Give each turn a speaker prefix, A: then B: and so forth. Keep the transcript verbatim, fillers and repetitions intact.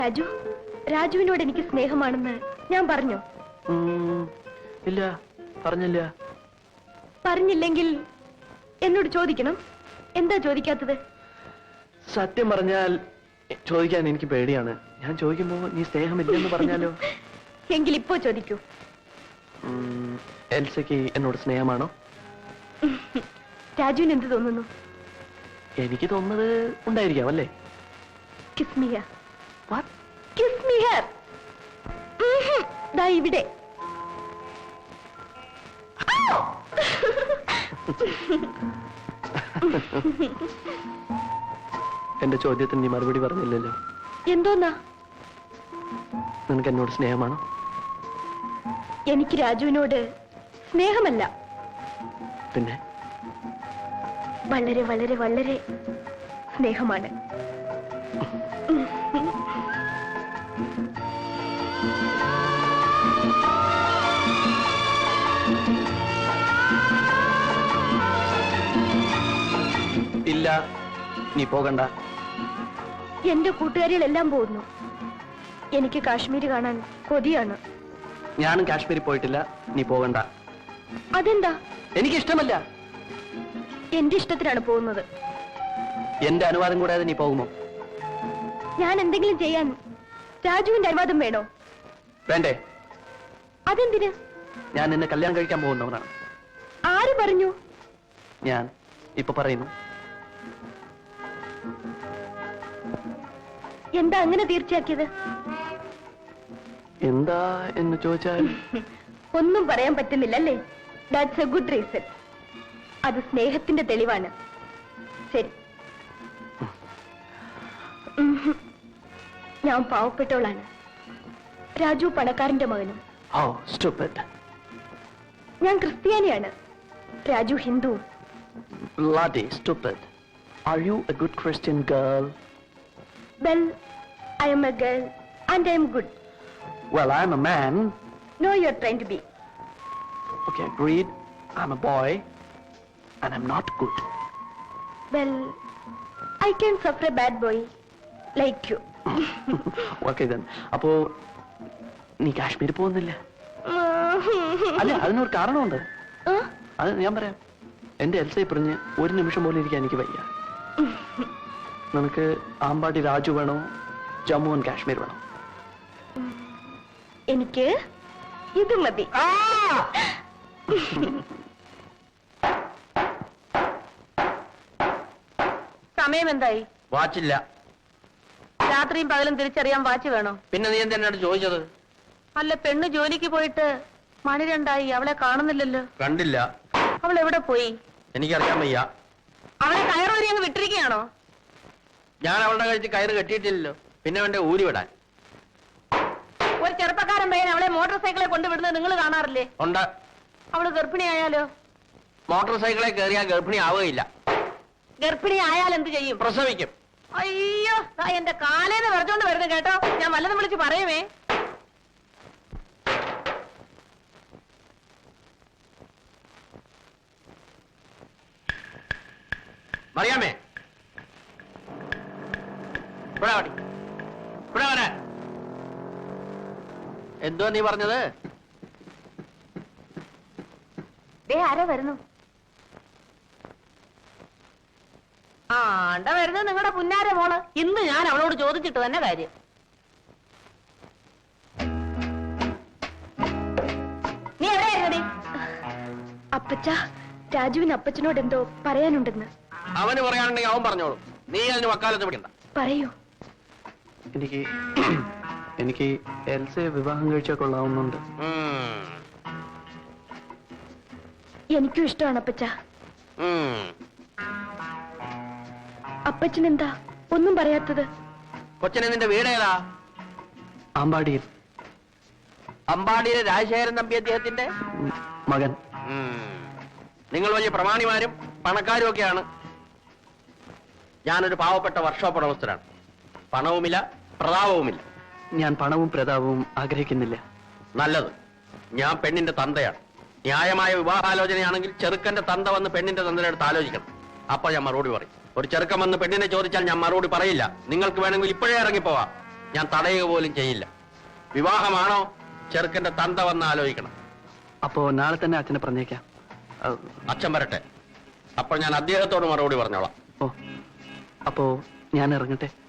A: രാജു, രാജുവിനോട് എനിക്ക് സ്നേഹമാണെന്ന് ഞാൻ പറഞ്ഞു.
B: ഇല്ല, പറഞ്ഞില്ല.
A: പറഞ്ഞില്ലെങ്കിൽ എന്നോട് ചോദിക്കണം. എന്താ ചോദിക്കാത്തത്?
B: സത്യം പറഞ്ഞാൽ ചോദിക്കാൻ എനിക്ക് പേടിയാണ്. ഞാൻ ചോദിക്കുമ്പോ നീ സ്നേഹമില്ലെന്ന് പറഞ്ഞാലോ?
A: എങ്കിൽ ഇപ്പോ ചോദിക്കൂ.
B: എൽസയ്ക്ക് എന്നോട് സ്നേഹമാണോ?
A: രാജുവിന് എന്ത് തോന്നുന്നു?
B: എനിക്ക് തോന്നുന്നത് ഉണ്ടായിരിക്കാം അല്ലേ?
A: Kiss me here. What? Kiss me here. ദാ ഇവിടെ.
B: എന്റെ ചോദ്യത്തിന് നീ മറുപടി പറഞ്ഞില്ലല്ലോ.
A: എന്തോന്നാ?
B: നിനക്ക് എന്നോട് സ്നേഹമാണോ?
A: എനിക്ക് രാജുവിനോട് സ്നേഹമല്ല,
B: പിന്നെ
A: വളരെ വളരെ വളരെ സ്നേഹമാണ്.
B: ഇല്ല, നീ പോകണ്ട.
A: എന്റെ കൂട്ടുകാരികളെല്ലാം പോകുന്നു. എനിക്ക് കാശ്മീർ കാണാൻ കൊതിയാണ്.
B: ഞാനും കാശ്മീരിൽ പോയിട്ടില്ല. നീ പോകണ്ട.
A: അതെന്താ?
B: എനിക്കിഷ്ടമല്ല.
A: എന്റെ ഇഷ്ടത്തിനാണ് പോകുന്നത്.
B: എന്റെ അനുവാദം കൂടാതെ നീ പോകുമോ?
A: ഞാൻ എന്തെങ്കിലും ചെയ്യാൻ രാജുവിന്റെ അനുവാദം വേണോ?
B: വേണ്ടേ?
A: അതെന്തിന്?
B: ഞാൻ നിന്നെ കല്യാണം കഴിക്കാൻ പോകുന്നവനാണ്.
A: ആര് പറഞ്ഞു?
B: ഞാൻ ഇപ്പൊ പറയുന്നു.
A: എന്താ അങ്ങനെ തീർച്ചയാക്കിയത്?
B: എന്താ എന്ന് ചോദിച്ചാൽ
A: ഒന്നും പറയാൻ പറ്റുന്നില്ല അല്ലേ? That's a good reason. അത് സ്നേഹത്തിന്റെ തെളിവാണ്. ശരി, ഞാൻ പാവപ്പെട്ടവളാണ്. രാജു പണക്കാരന്റെ മകനും.
B: Oh, stupid.
A: ഞാൻ ക്രിസ്ത്യാനിയാണ്. Raju Hindu.
B: Bloody stupid. Are you a good Christian girl?
A: Well, I am a girl and I am good.
B: Well, I'm a man.
A: No, you're trying to be.
B: Okay, agreed. I'm a boy and I'm not good.
A: Well, I can suffer a bad boy like you.
B: Okay then. അപ്പോ നീ കാശ്മീർ പോകുന്നില്ല? അല്ല, അതിനൊരു കാരണമുണ്ട്. അത് ഞാൻ പറയാം. എന്റെ എൽസയെ പറഞ്ഞ് ഒരു നിമിഷം പോലും ഇരിക്കാൻ എനിക്ക് വയ്യ. നിനക്ക് ആമ്പാടി രാജു വേണോ, ജമ്മു ആൻഡ് കാശ്മീർ വേണോ?
A: എനിക്ക് ഇത് മതി. സമയം എന്തായി?
B: വാച്ചില്ല.
A: രാത്രിയും പകലും തിരിച്ചറിയാൻ വാച്ച് വേണോ?
B: പിന്നെ നീ എന്ത് എന്നോട് ചോദിച്ചത്?
A: അല്ല, പെണ്ണ് ജോലിക്ക് പോയിട്ട് മണി രണ്ടായി, അവളെ കാണുന്നില്ലല്ലോ.
B: കണ്ടില്ല.
A: അവൾ എവിടെ പോയി?
B: എനിക്കറിയാൻ വയ്യ.
A: അവളെ കയറി അങ്ങ് വിട്ടിരിക്കുകയാണോ?
B: ഞാൻ അവളുടെ കഴിച്ച് കയറ് കെട്ടിയിട്ടില്ലല്ലോ, പിന്നെ അവന്റെ ഊരി വിടാൻ.
A: ഒരു ചെറുപ്പക്കാരൻ പയ്യൻ അവളെ മോട്ടോർ സൈക്കിളെ കൊണ്ടുവിടുന്നത് നിങ്ങൾ കാണാറില്ലേ?
B: ഉണ്ട്.
A: അവള് ഗർഭിണിയായാലോ?
B: മോട്ടോർ സൈക്കിളെ കയറിയാൽ ഗർഭിണി ആവുകയില്ല.
A: ഗർഭിണി ആയാൽ എന്ത് ചെയ്യും?
B: പ്രസവിക്കും.
A: അയ്യോ, എന്റെ കാലേന്ന് വെറുതോണ്ട് വരുന്നു കേട്ടോ. ഞാൻ വല്ലതും വിളിച്ച് പറയുമേ.
B: മറിയാമേ, എന്തോ നീ പറഞ്ഞത്?
A: ആരാ വരുന്നു? ആണ്ട വരുന്നത് നിങ്ങളുടെ പുന്നാര മോള്. ഇന്ന് ഞാൻ അവളോട് ചോദിച്ചിട്ട് തന്നെ കാര്യം. നീ എവിടെയായിരുന്നടി? അപ്പച്ച, രാജുവിന് അപ്പച്ചനോട് എന്തോ പറയാനുണ്ടെന്ന്.
B: അവന് പറയാനുണ്ടെങ്കിൽ അവൻ പറഞ്ഞോളൂ. നീ അതിന് വക്കാലത്ത് പിടിക്കണ്ട.
A: പറയൂ.
B: എനിക്ക് എനിക്ക് എൽസയെ വിവാഹം കഴിച്ചാൽ കൊള്ളാവുന്നുണ്ട്.
A: എനിക്കും ഇഷ്ടമാണ് അപ്പച്ച. അപ്പച്ചൻ എന്താ ഒന്നും പറയാത്തത്?
B: കൊച്ചനെ നിന്റെ വീടേതാ? അമ്പാടിയിൽ. അമ്പാടിയിലെ രാജശേഖരൻ തമ്പി അദ്ദേഹത്തിന്റെ മകൻ. നിങ്ങൾ വലിയ പ്രമാണിമാരും പണക്കാരും ഒക്കെയാണ്. ഞാനൊരു പാവപ്പെട്ട വർക്ക്ഷോപ്പ് ഉടമസ്ഥനാണ്. പണവുമില്ല, പ്രതാപവുമില്ല. ഞാൻ പണവും പ്രതാപവും ആഗ്രഹിക്കുന്നില്ല. നല്ലത്. ഞാൻ പെണ്ണിന്റെ തന്തയാണ്. ന്യായമായ വിവാഹാലോചനയാണെങ്കിൽ ചെറുക്കന്റെ തന്ത വന്ന് പെണ്ണിന്റെ തന്തയുടെ അടുത്ത് ആലോചിക്കണം. അപ്പൊ ഞാൻ മറുപടി പറയും. ഒരു ചെറുക്കൻ വന്ന് പെണ്ണിനെ ചോദിച്ചാൽ ഞാൻ മറുപടി പറയില്ല. നിങ്ങൾക്ക് വേണമെങ്കിൽ ഇപ്പോഴേ ഇറങ്ങിപ്പോവാം.
C: ഞാൻ തടയുക പോലും ചെയ്യില്ല. വിവാഹമാണോ ചെറുക്കന്റെ തന്ത വന്ന് ആലോചിക്കണം.
B: അപ്പോ നാളെ തന്നെ അച്ഛനെ പറഞ്ഞേക്കാം. ആ,
C: അച്ഛൻ വരട്ടെ, അപ്പോൾ ഞാൻ അദ്ദേഹത്തോട് മറുപടി പറഞ്ഞോളാം.
B: ഓ അപ്പോ ഞാൻ ഇറങ്ങട്ടെ.